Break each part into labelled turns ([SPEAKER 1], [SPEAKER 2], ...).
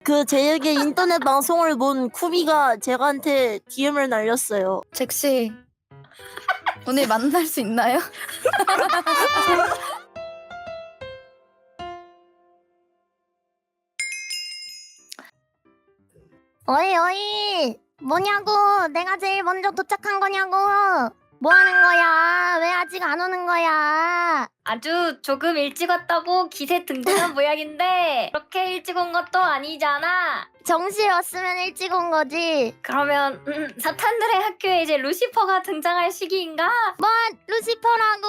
[SPEAKER 1] 그 제에게 인터넷 방송을 본 쿠비가 제가한테 DM을 날렸어요.
[SPEAKER 2] 잭씨 오늘 만날 수 있나요?
[SPEAKER 3] 어이 어이 뭐냐고. 내가 제일 먼저 도착한 거냐고. 뭐 하는 거야? 왜 아직 안 오는 거야?
[SPEAKER 4] 아주 조금 일찍 왔다고 기세 등등한 모양인데 그렇게 일찍 온 것도 아니잖아.
[SPEAKER 3] 정시에 왔으면 일찍 온 거지.
[SPEAKER 4] 그러면 사탄들의 학교에 이제 루시퍼가 등장할 시기인가?
[SPEAKER 3] 뭐 루시퍼라고.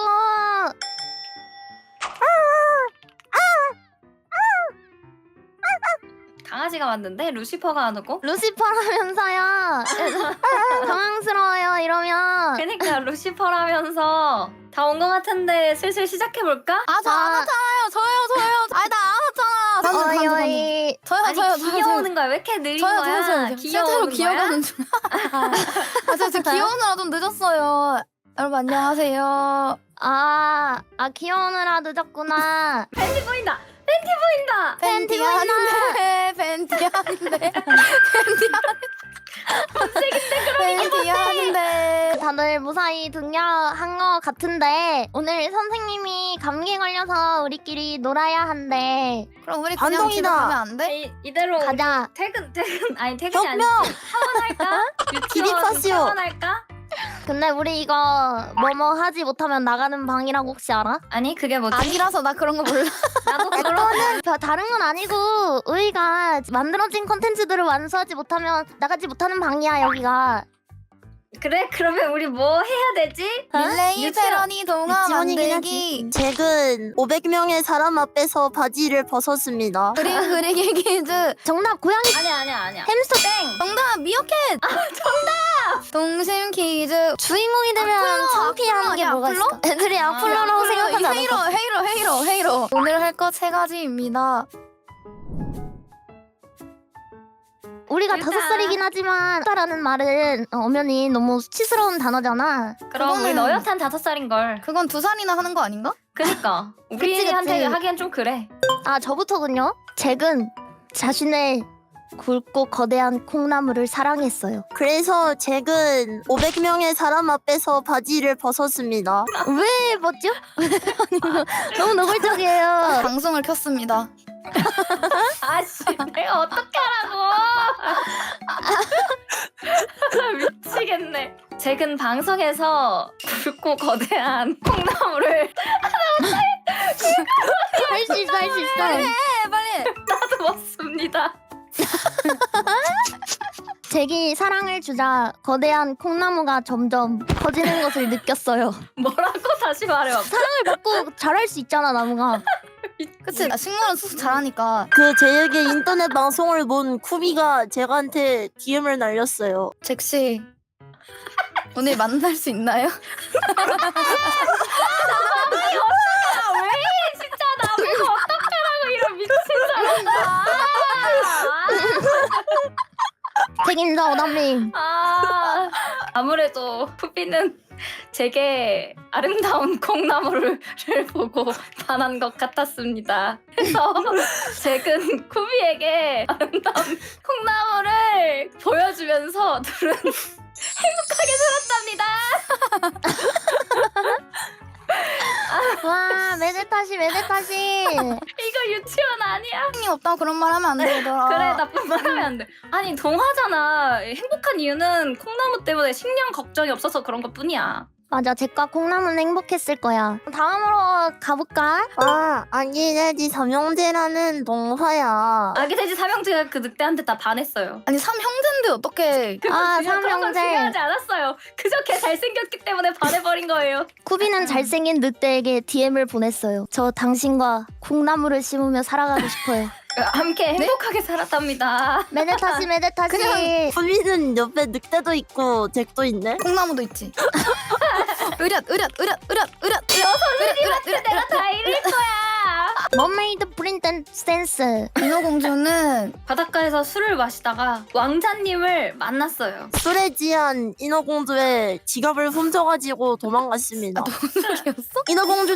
[SPEAKER 4] 강아지가 왔는데 루시퍼가 안 오고?
[SPEAKER 3] 루시퍼라면서요. 당황스러워요 이러면.
[SPEAKER 4] 그러니까 루시퍼라면서 다 온 것 같은데 슬슬 시작해볼까?
[SPEAKER 2] 아 저 안 왔잖아요. 저요. 아니 나 안 왔잖아.
[SPEAKER 3] 어이 어이.
[SPEAKER 2] 저요.
[SPEAKER 4] 귀여우는 거야. 왜 이렇게 느린 거야?
[SPEAKER 2] 실제로
[SPEAKER 4] 귀여우는 거야?
[SPEAKER 2] 기어가는 중. 저 지금 귀여우느라 좀 늦었어요. 여러분 안녕하세요.
[SPEAKER 3] 아 귀여우느라 늦었구나.
[SPEAKER 4] 팬티 보인다.
[SPEAKER 3] 팬티 보인다.
[SPEAKER 2] 팬티 하는데.
[SPEAKER 3] 다들 무사히 등려한 것 같은데 오늘 선생님이 감기 걸려서 우리끼리 놀아야 한대.
[SPEAKER 2] 그럼 우리 그냥
[SPEAKER 1] 반동이다.
[SPEAKER 2] 집에 가면 안 돼?
[SPEAKER 4] 이대로
[SPEAKER 3] 가자.
[SPEAKER 4] 퇴근이 아니지.
[SPEAKER 1] 혁명!
[SPEAKER 4] 하원할까?
[SPEAKER 1] 기립하시오.
[SPEAKER 4] 하원할까?
[SPEAKER 3] 근데 우리 이거 뭐뭐 하지 못하면 나가는 방이라고 혹시 알아?
[SPEAKER 4] 아니 그게 뭐지?
[SPEAKER 2] 아니라서 나 그런 거 몰라.
[SPEAKER 4] 나도 그런
[SPEAKER 3] 다른 건 아니고 우리가 만들어진 컨텐츠들을 완수하지 못하면 나가지 못하는 방이야 여기가.
[SPEAKER 4] 그래? 그러면 우리 뭐 해야 되지?
[SPEAKER 2] 릴레이
[SPEAKER 4] 유치원.
[SPEAKER 2] 패러디 동화
[SPEAKER 1] 지원이긴
[SPEAKER 2] 만들기.
[SPEAKER 1] 잭은 500명의 사람 앞에서 바지를 벗었습니다.
[SPEAKER 2] 그림 그리기 퀴즈.
[SPEAKER 3] 정답 고양이
[SPEAKER 4] 아니야.
[SPEAKER 3] 햄스터.
[SPEAKER 2] 정답 미어캣. 정답. 동심 퀴즈.
[SPEAKER 3] 주인공이 되면 창피한 게
[SPEAKER 2] 야,
[SPEAKER 3] 뭐가
[SPEAKER 2] 악플러?
[SPEAKER 3] 있을까? 애들이 악플러라고 생각하지 않을까?
[SPEAKER 2] 헤이로. 오늘 할 것 3가지입니다.
[SPEAKER 3] 우리가
[SPEAKER 4] 일단-
[SPEAKER 3] 5살이긴 하지만 라는 말은 엄연히 너무 수치스러운 단어잖아.
[SPEAKER 4] 그럼 우리
[SPEAKER 2] 그거는-
[SPEAKER 4] 너엿한 5살인걸.
[SPEAKER 2] 그건 2살이나 하는 거 아닌가?
[SPEAKER 4] 그니까
[SPEAKER 3] 그치.
[SPEAKER 4] 우리한테 하기엔 좀 그래.
[SPEAKER 3] 아 저부터군요. 잭은 자신의 굵고 거대한 콩나물을 사랑했어요.
[SPEAKER 1] 그래서 잭은 500명의 사람 앞에서 바지를 벗었습니다.
[SPEAKER 3] 왜 뭐죠? 너무 노골적이에요.
[SPEAKER 2] 방송을 켰습니다.
[SPEAKER 4] 아씨 내가 어떻게 하라고. 미치겠네. 잭은 방송에서 굵고 거대한 콩나물을
[SPEAKER 3] 할 수 있어 할 수 있어.
[SPEAKER 2] 빨리.
[SPEAKER 4] 나도 먹습니다.
[SPEAKER 3] 잭이 사랑을 주자 거대한 콩나무가 점점 커지는 것을 느꼈어요.
[SPEAKER 4] 뭐라고 다시 말해봐.
[SPEAKER 3] 사랑을 받고 자랄 수 있잖아 나무가.
[SPEAKER 2] 그치? 나 식물은 수수 잘하니까.
[SPEAKER 1] 그 제에게 인터넷 방송을 본 쿠비가 제가한테 DM을 날렸어요.
[SPEAKER 2] 잭씨 오늘 만날 수 있나요?
[SPEAKER 4] 왜 진짜 나보고 어떡하라고 이런 미친 사람.
[SPEAKER 3] 책임져 오담님.
[SPEAKER 4] 아무래도 푸비는 제게 아름다운 콩나물을 보고 반한 것 같았습니다. 그래서 잭은 쿠비에게 아름다운 콩나물을 보여주면서 둘은 행복하게 살았답니다.
[SPEAKER 3] 와 매대타시.
[SPEAKER 4] 이거 유치원 아니야?
[SPEAKER 2] 형님 없다고 그런 말 하면 안 되더라.
[SPEAKER 4] 그래 나쁜 말 하면 안 돼. 아니 동화잖아. 행복한 이유는 콩나무 때문에 식량 걱정이 없어서 그런 것 뿐이야.
[SPEAKER 3] 맞아 잭과 콩나무는 행복했을 거야. 다음으로 가볼까?
[SPEAKER 1] 아, 아기돼지 삼형제라는 동화야.
[SPEAKER 4] 아기 돼지 삼형제가 그 늑대한테 다 반했어요.
[SPEAKER 2] 아니 3형제인데 어떻게?
[SPEAKER 3] 아
[SPEAKER 4] 그런 건
[SPEAKER 3] 삼형제.
[SPEAKER 4] 중요하지 않았어요. 그저 걔 잘생겼기 때문에 반해버린 거예요.
[SPEAKER 3] 쿠비는 잘생긴 늑대에게 DM을 보냈어요. 저 당신과 콩나물을 심으며 살아가고 싶어요.
[SPEAKER 4] 함께 행복하게 살았답니다.
[SPEAKER 3] 메데타시.
[SPEAKER 1] 쿠비는 옆에 늑대도 있고 잭도 있네.
[SPEAKER 2] 콩나무도 있지. 으렷.
[SPEAKER 4] 내가 다 잃을 거야.
[SPEAKER 3] 머메이드 프린트 센스.
[SPEAKER 2] 인어공주는
[SPEAKER 4] 바닷가에서 술을 마시다가 왕자님을 만났어요.
[SPEAKER 1] 술에 지한 인어공주의 지갑을 훔쳐가지고 도망갔습니다.
[SPEAKER 2] 이었어?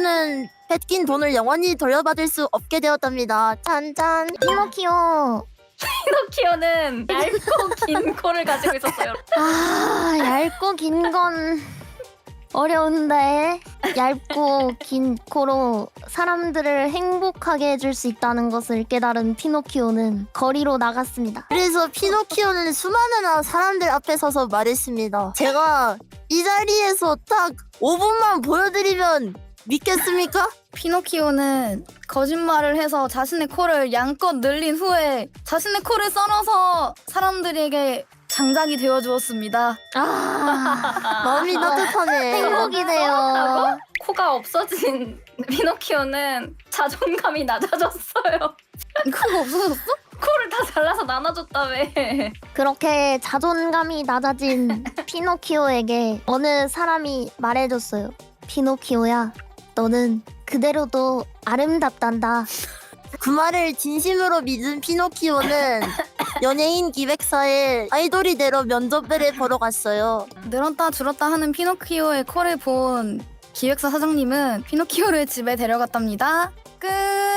[SPEAKER 1] 인어공주는 뺏긴 돈을 영원히 돌려받을 수 없게 되었답니다. 짠짠.
[SPEAKER 3] 피노키오
[SPEAKER 4] 피노키오는 얇고 긴 코를 가지고 있었어요.
[SPEAKER 3] 아, 얇고 긴 건 어려운데 얇고 긴 코로 사람들을 행복하게 해줄 수 있다는 것을 깨달은 피노키오는 거리로 나갔습니다.
[SPEAKER 1] 그래서 피노키오는 수많은 사람들 앞에 서서 말했습니다. 제가 이 자리에서 딱 5분만 보여드리면 믿겠습니까?
[SPEAKER 2] 피노키오는 거짓말을 해서 자신의 코를 양껏 늘린 후에 자신의 코를 썰어서 사람들에게 장작이 되어 주었습니다.
[SPEAKER 3] 아,
[SPEAKER 1] 마음이 따뜻하네.
[SPEAKER 3] 행복이네요.
[SPEAKER 4] 코가 없어진 피노키오는 자존감이 낮아졌어요.
[SPEAKER 2] 그거 없어졌어?
[SPEAKER 4] 코를 다 잘라서 나눠줬다며.
[SPEAKER 3] 그렇게 자존감이 낮아진 피노키오에게 어느 사람이 말해줬어요. 피노키오야, 너는 그대로도 아름답단다.
[SPEAKER 1] 그 말을 진심으로 믿은 피노키오는 연예인 기획사에 아이돌이 되러 면접을 보러 갔어요.
[SPEAKER 2] 늘었다 줄었다 하는 피노키오의 코를 본 기획사 사장님은 피노키오를 집에 데려갔답니다. 끝.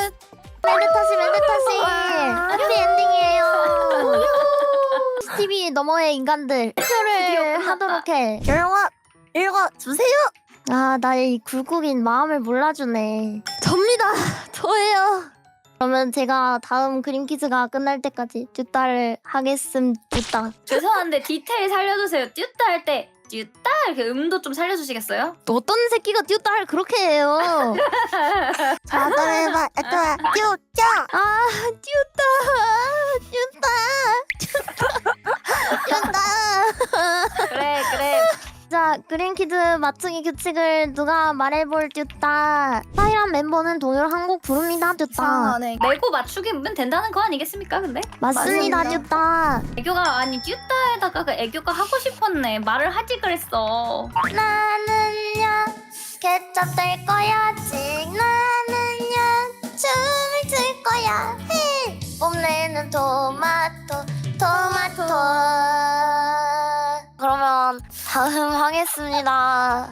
[SPEAKER 3] 멘트타시 해피엔딩이에요. TV 너머의 인간들 투표를 하도록 해.
[SPEAKER 1] 결과 읽어주세요.
[SPEAKER 3] 아, 나의 이 굴곡인 마음을 몰라주네. 접니다. 저예요. 그러면 제가 다음 그림 퀴즈가 끝날 때까지 듀따를 하겠습니다.
[SPEAKER 4] 죄송한데 디테일 살려주세요. 듀따 할 때 듀따 이렇게 음도 좀 살려주시겠어요?
[SPEAKER 3] 또 어떤 새끼가 듀따를 그렇게 해요?
[SPEAKER 1] 자, 따라해봐. 듀따.
[SPEAKER 3] 아, 듀따.
[SPEAKER 4] 그래.
[SPEAKER 3] 자, 그림 퀴즈 맞추기 규칙을 누가 말해볼 듀따. 파이란 멤버는 동요를 한 곡 부릅니다, 듀따.
[SPEAKER 2] 이상하네.
[SPEAKER 4] 내고 맞추기면 된다는 거 아니겠습니까? 근데
[SPEAKER 3] 맞습니다,
[SPEAKER 2] 맞습니다.
[SPEAKER 3] 듀따.
[SPEAKER 4] 애교가 아니 듀따에다가 그 애교가 하고 싶었네. 말을 하지 그랬어.
[SPEAKER 3] 나는요 개첩 될 거야지. 나는요 춤을 출 거야. 히 뽐내는 토마토. 그러면 다음 하겠습니다.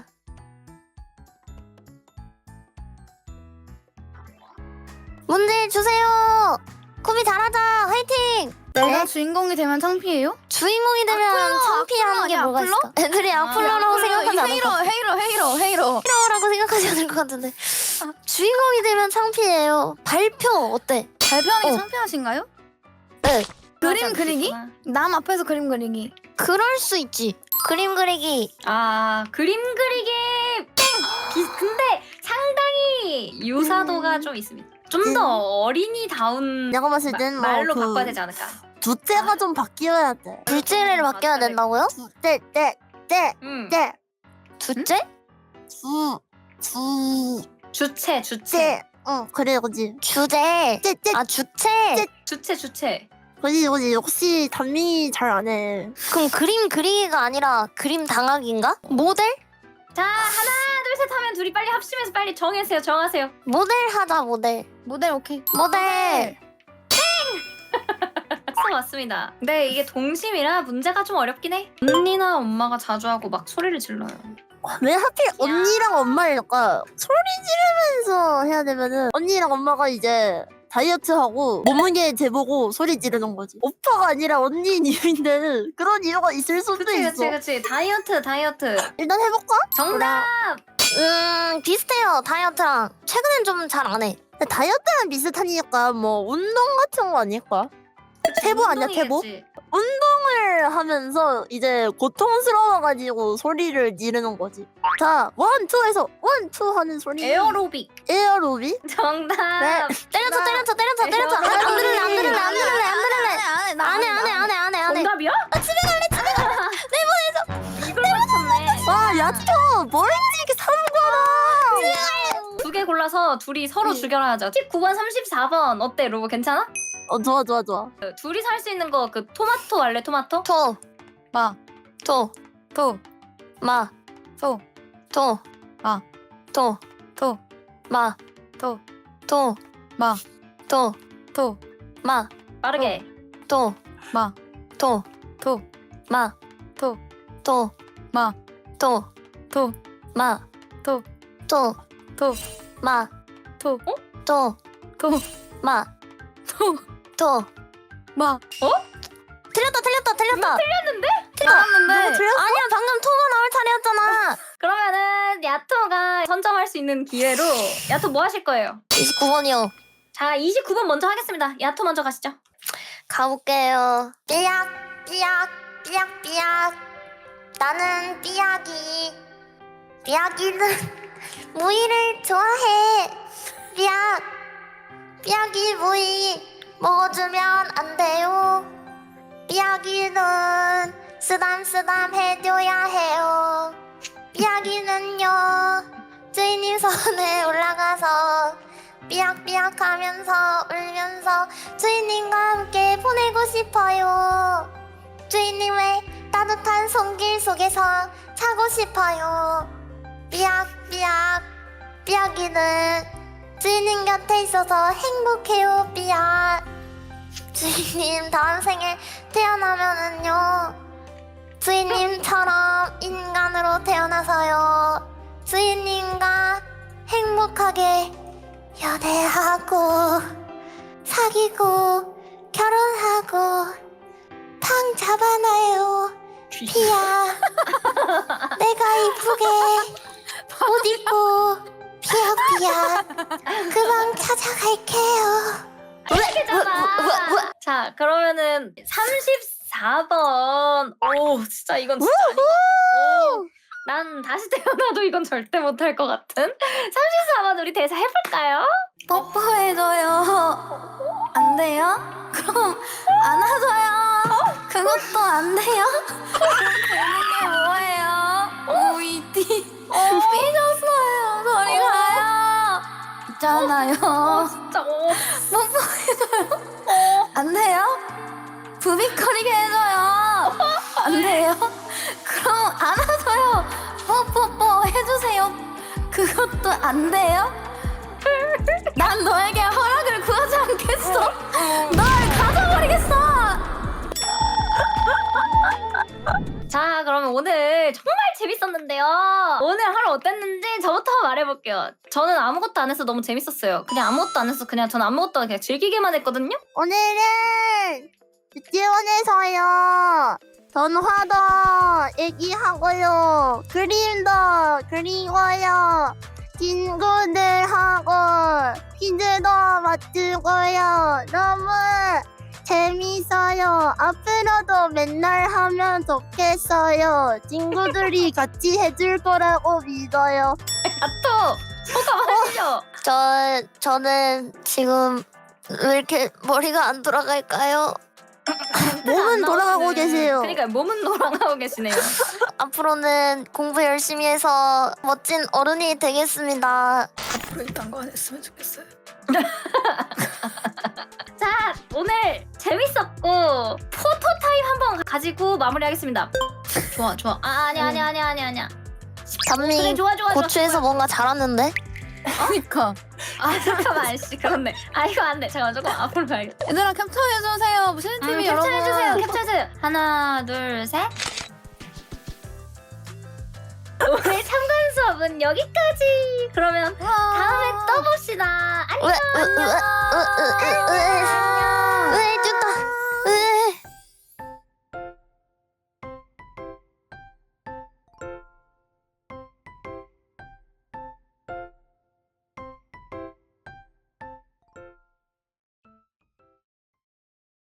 [SPEAKER 3] 문제 주세요. 코비 잘하자. 화이팅.
[SPEAKER 2] 내가 주인공이 되면 창피해요?
[SPEAKER 3] 주인공이 되면
[SPEAKER 2] 악플러,
[SPEAKER 3] 창피한 게
[SPEAKER 2] 악플러야,
[SPEAKER 3] 뭐가
[SPEAKER 2] 악플러?
[SPEAKER 3] 있어? 애들이 악플러라고 생각하지 않을 것 같아.
[SPEAKER 2] 헤이로.
[SPEAKER 3] 히어로라고 생각하지 않을 것 같은데 주인공이 되면 창피해요. 발표 어때?
[SPEAKER 2] 발표하는 게
[SPEAKER 3] 어.
[SPEAKER 2] 창피하신가요?
[SPEAKER 3] 네.
[SPEAKER 2] 그림 그리기? 남 앞에서 그림 그리기.
[SPEAKER 3] 그럴 수 있지. 그림 그리기.
[SPEAKER 4] 아 그림 그리기 근데 상당히 유사도가 좀 있습니다. 좀 더 어린이다운
[SPEAKER 1] 내가 봤을 땐 뭐
[SPEAKER 4] 말로
[SPEAKER 1] 그
[SPEAKER 4] 바꿔야 되지 않을까?
[SPEAKER 1] 두째가 좀 바뀌어야 돼.
[SPEAKER 3] 둘째를 바뀌어야 된다고요?
[SPEAKER 1] 때.
[SPEAKER 3] 둘째?
[SPEAKER 1] 주.
[SPEAKER 4] 주체.
[SPEAKER 1] 그래, 그지.
[SPEAKER 3] 주제.
[SPEAKER 1] 째.
[SPEAKER 3] 아 주체.
[SPEAKER 4] 주체.
[SPEAKER 1] 그지. 역시 단민이 잘 안 해.
[SPEAKER 3] 그럼 그림 그리기가 아니라 그림 당하기인가? 모델?
[SPEAKER 4] 자 하나 둘 셋 하면 둘이 빨리 합심해서 빨리 정하세요.
[SPEAKER 3] 모델 하자 모델.
[SPEAKER 2] 모델 오케이.
[SPEAKER 3] 모델.
[SPEAKER 4] 박수 맞습니다. 근데 이게 동심이라 문제가 좀 어렵긴 해. 언니나 엄마가 자주 하고 막 소리를 질러요.
[SPEAKER 1] 왜 하필 언니랑 엄마일까? 소리 지르면서 해야 되면은 언니랑 엄마가 이제 다이어트하고 몸무게 재보고 소리 지르는 거지. 오빠가 아니라 언니님인데 그런 이유가 있을 수도 있어.
[SPEAKER 4] 그치. 다이어트.
[SPEAKER 1] 일단 해볼까?
[SPEAKER 4] 정답.
[SPEAKER 3] 비슷해요 다이어트랑. 최근엔 좀 잘 안 해.
[SPEAKER 1] 근데 다이어트랑 비슷하니까 뭐 운동 같은 거 아닐까? 태보 아니야 태보?
[SPEAKER 4] 운동이겠지.
[SPEAKER 1] 운동을 하면서 이제 고통스러워가지고 소리를 지르는 거지. 자, 1, 2에서 1, 2 하는 소리.
[SPEAKER 4] 에어로빅.
[SPEAKER 1] 에어로빅?
[SPEAKER 4] 정답.
[SPEAKER 1] 네.
[SPEAKER 3] 때려쳐. 안 들을래. 안 해.
[SPEAKER 4] 정답이야? 집에 갈래. 내보내줘. 이걸 맞췄네.
[SPEAKER 1] 와, 야채 뭐인지 이게 사는구나.
[SPEAKER 4] 두 개 골라서 둘이 서로 죽여놔야죠. 19번, 34번 어때, 로보 괜찮아?
[SPEAKER 1] 좋아.
[SPEAKER 4] 둘이 살 수 있는 거 그 토마토 알래? 토마토?
[SPEAKER 2] 마.
[SPEAKER 3] 토.
[SPEAKER 2] 토.
[SPEAKER 3] 마.
[SPEAKER 2] 토.
[SPEAKER 3] 토.
[SPEAKER 2] 마.
[SPEAKER 3] 토.
[SPEAKER 2] 토.
[SPEAKER 3] 마.
[SPEAKER 2] 토.
[SPEAKER 3] 토.
[SPEAKER 2] 마.
[SPEAKER 3] 토.
[SPEAKER 2] 토.
[SPEAKER 3] 마.
[SPEAKER 4] 빠르게.
[SPEAKER 3] 토.
[SPEAKER 2] 마.
[SPEAKER 3] 토.
[SPEAKER 2] 토.
[SPEAKER 3] 마.
[SPEAKER 2] 토.
[SPEAKER 3] 토.
[SPEAKER 2] 마.
[SPEAKER 3] 토.
[SPEAKER 2] 토.
[SPEAKER 3] 마.
[SPEAKER 2] 토.
[SPEAKER 3] 토.
[SPEAKER 2] 토.
[SPEAKER 3] 마.
[SPEAKER 2] 토.
[SPEAKER 3] 토.
[SPEAKER 2] 토.
[SPEAKER 3] 마.
[SPEAKER 2] 토.
[SPEAKER 3] 토.
[SPEAKER 2] 뭐?
[SPEAKER 3] 틀렸다.
[SPEAKER 4] 틀렸는데?
[SPEAKER 2] 틀렸는데.
[SPEAKER 3] 아니야, 방금 토가 나올 차례였잖아.
[SPEAKER 4] 그러면은 야토가 선정할 수 있는 기회로 야토 뭐 하실 거예요?
[SPEAKER 3] 29번이요.
[SPEAKER 4] 자 29번 먼저 하겠습니다. 야토 먼저 가시죠.
[SPEAKER 3] 가볼게요. 삐약. 나는 삐약이. 삐약이는 무이를 좋아해. 삐약이 무이 먹어주면 안 돼요. 삐약이는 쓰담 해줘야 해요. 삐약이는요 주인님 손에 올라가서 삐약삐약 하면서 울면서 주인님과 함께 보내고 싶어요. 주인님의 따뜻한 손길 속에서 자고 싶어요. 삐약이는 주인님 곁에 있어서 행복해요. 주인님 다음 생에 태어나면은요 주인님처럼 인간으로 태어나서요 주인님과 행복하게 연애하고 사귀고 결혼하고 방 잡아놔요. 피야 내가 이쁘게 옷 입고 피야 그 방 찾아갈게요.
[SPEAKER 4] 되잖아. 자 그러면은 34번. 오 진짜 이건 진짜 아닌 것 같아. 오, 난 다시 태어나도 이건 절대 못할 것 같은. 34번 우리 대사 해볼까요?
[SPEAKER 2] 뽀뽀해줘요. 안 돼요? 그럼 안아줘요. 그것도 안 돼요? 되는 게 뭐예요? 오이티 삐졌어요. 저리 가요. 있잖아요.
[SPEAKER 4] 진짜
[SPEAKER 2] 뽀뽀해줘요. 안 돼요? 부비거리게 해줘요. 안 돼요? 그럼 안아줘요. 뽀뽀뽀 해주세요. 그것도 안 돼요? 난 너에게 허락을 구하지 않겠어. 널 가져버리겠어.
[SPEAKER 4] 자 그러면 오늘 정말 재밌었는데요. 오늘 하루 어땠는지 저부터 말해볼게요. 저는 아무것도 안 해서 너무 재밌었어요. 그냥 아무것도 안 해서 그냥 저는 아무것도 그냥 즐기기만 했거든요.
[SPEAKER 1] 오늘은 유치원에서요. 전화도 얘기하고요. 그림도 그리고요. 친구들하고 퀴즈도 맞추고요. 너무 재밌어요. 앞으로도 맨날 하면 좋겠어요. 친구들이 같이 해줄 거라고 믿어요.
[SPEAKER 4] 야토 소감하시죠.
[SPEAKER 3] 저는 지금 왜 이렇게 머리가 안 돌아갈까요?
[SPEAKER 1] 몸은 돌아가고 계세요.
[SPEAKER 4] 그러니까 몸은 돌아가고 계시네요.
[SPEAKER 3] 앞으로는 공부 열심히 해서 멋진 어른이 되겠습니다.
[SPEAKER 2] 앞으로 이딴 거 안 했으면 좋겠어요.
[SPEAKER 4] 자 오늘 재밌었고 포토 타임 한번 가지고 마무리하겠습니다. 좋아. 아니야.
[SPEAKER 3] 담미
[SPEAKER 4] 그래 좋아.
[SPEAKER 3] 고추에서 뭔가 잘하는데?
[SPEAKER 2] 그니까.
[SPEAKER 4] 아 잠깐만 씨 그렇네. 아 이거 안 돼. 잠깐만 조금 앞으로 가야겠다.
[SPEAKER 2] 얘들아 캡처해주세요. 무슨 TV 여러분.
[SPEAKER 4] 캡처해주세요. 하나 둘 셋. 오늘 참관 수업은 여기까지. 그러면 다음에 또 봅시다. 안녕.
[SPEAKER 3] 왜 쭈다